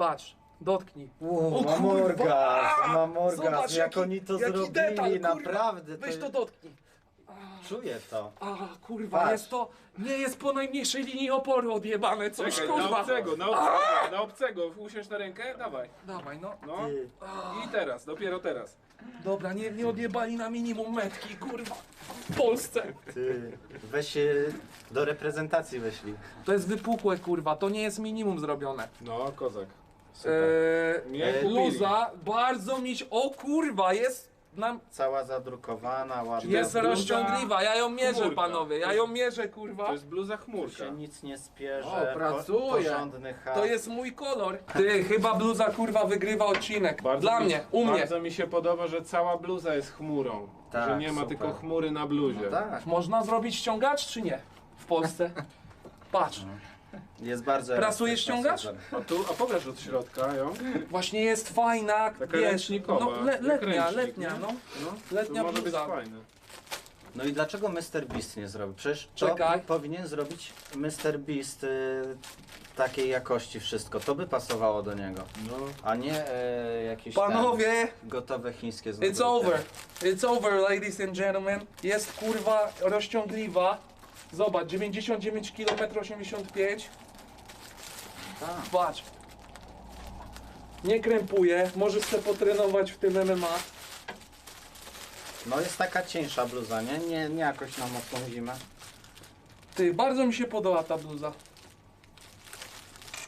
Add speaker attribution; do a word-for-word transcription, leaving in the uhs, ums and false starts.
Speaker 1: Patrz, dotknij.
Speaker 2: Wow,
Speaker 1: O
Speaker 2: mam
Speaker 1: kurwa!
Speaker 2: orgazm, mam orgazm,
Speaker 1: Zobacz,
Speaker 2: jak
Speaker 1: jaki-
Speaker 2: oni to
Speaker 1: jaki
Speaker 2: zrobili,
Speaker 1: detal, kurwa.
Speaker 2: naprawdę.
Speaker 1: Weź
Speaker 2: to
Speaker 1: to dotknij.
Speaker 2: Czuję to.
Speaker 1: A kurwa,
Speaker 2: Patrz.
Speaker 1: jest to, nie jest po najmniejszej linii oporu odjebane coś,
Speaker 3: Czekaj, na
Speaker 1: kurwa.
Speaker 3: obcego, na obcego, na obcego. Usiądź na rękę, dawaj.
Speaker 1: Dawaj, no.
Speaker 3: No.
Speaker 2: Ty.
Speaker 3: I teraz, dopiero teraz.
Speaker 1: Dobra, nie, nie odjebali na minimum metki, kurwa. W Polsce.
Speaker 2: Ty, weź się do reprezentacji weźli.
Speaker 1: To jest wypukłe, kurwa, to nie jest minimum zrobione.
Speaker 3: No, kozak. Super.
Speaker 1: Eee,
Speaker 3: Mnie
Speaker 2: e,
Speaker 3: kupili.
Speaker 1: luza, bardzo mi się, o kurwa, jest nam,
Speaker 2: Cała zadrukowana, ładna.
Speaker 1: jest
Speaker 3: bluza,
Speaker 1: rozciągliwa, ja ją mierzę,
Speaker 3: chmurka.
Speaker 1: panowie, ja ją mierzę, kurwa.
Speaker 3: To jest bluza
Speaker 2: Tu
Speaker 3: chmurka.
Speaker 2: się nic nie spierze,
Speaker 4: O, pracuje.
Speaker 2: porządny chat.
Speaker 1: To jest mój kolor. Ty, chyba bluza, kurwa, wygrywa odcinek.
Speaker 3: Bardzo
Speaker 1: Dla
Speaker 3: mi,
Speaker 1: mnie, u mnie.
Speaker 3: Bardzo mi się podoba, że cała bluza jest chmurą.
Speaker 2: Tak,
Speaker 3: że nie ma
Speaker 2: super.
Speaker 3: tylko chmury na bluzie.
Speaker 2: No tak,
Speaker 1: Można zrobić ściągacz, czy nie? W Polsce. Patrz,
Speaker 2: jest bardzo
Speaker 1: Prasujesz
Speaker 2: elastyczna,
Speaker 1: ściągacz?
Speaker 2: super.
Speaker 3: A tu, a pokaż od środka ją.
Speaker 1: właśnie jest fajna,
Speaker 3: Taka
Speaker 1: wiesz,
Speaker 3: ręcznikowa,
Speaker 1: no, le,
Speaker 3: jak
Speaker 1: letnia,
Speaker 3: ręcznik,
Speaker 1: letnia,
Speaker 3: nie?
Speaker 1: no.
Speaker 3: No,
Speaker 1: Letnia
Speaker 3: to może być
Speaker 1: bluza.
Speaker 3: fajne.
Speaker 2: No i dlaczego mister Beast nie zrobił? Przecież to
Speaker 1: Czekaj.
Speaker 2: powinien zrobić mister Beast y, takiej jakości wszystko. To by pasowało do niego.
Speaker 3: No.
Speaker 2: A nie e, jakieś
Speaker 1: Panowie,
Speaker 2: tam gotowe chińskie
Speaker 1: it's
Speaker 2: znowu.
Speaker 1: over. It's over, ladies and gentlemen. Jest kurwa rozciągliwa. Zobacz, dziewięćdziesiąt dziewięć kilometrów osiemdziesiąt pięć.
Speaker 2: Tak.
Speaker 1: Patrz. Nie krępuje, możesz sobie potrenować w tym M M A.
Speaker 2: No jest taka cieńsza bluza, nie? Nie, nie jakoś na mocną zimę.
Speaker 1: Ty, bardzo mi się podoba ta bluza.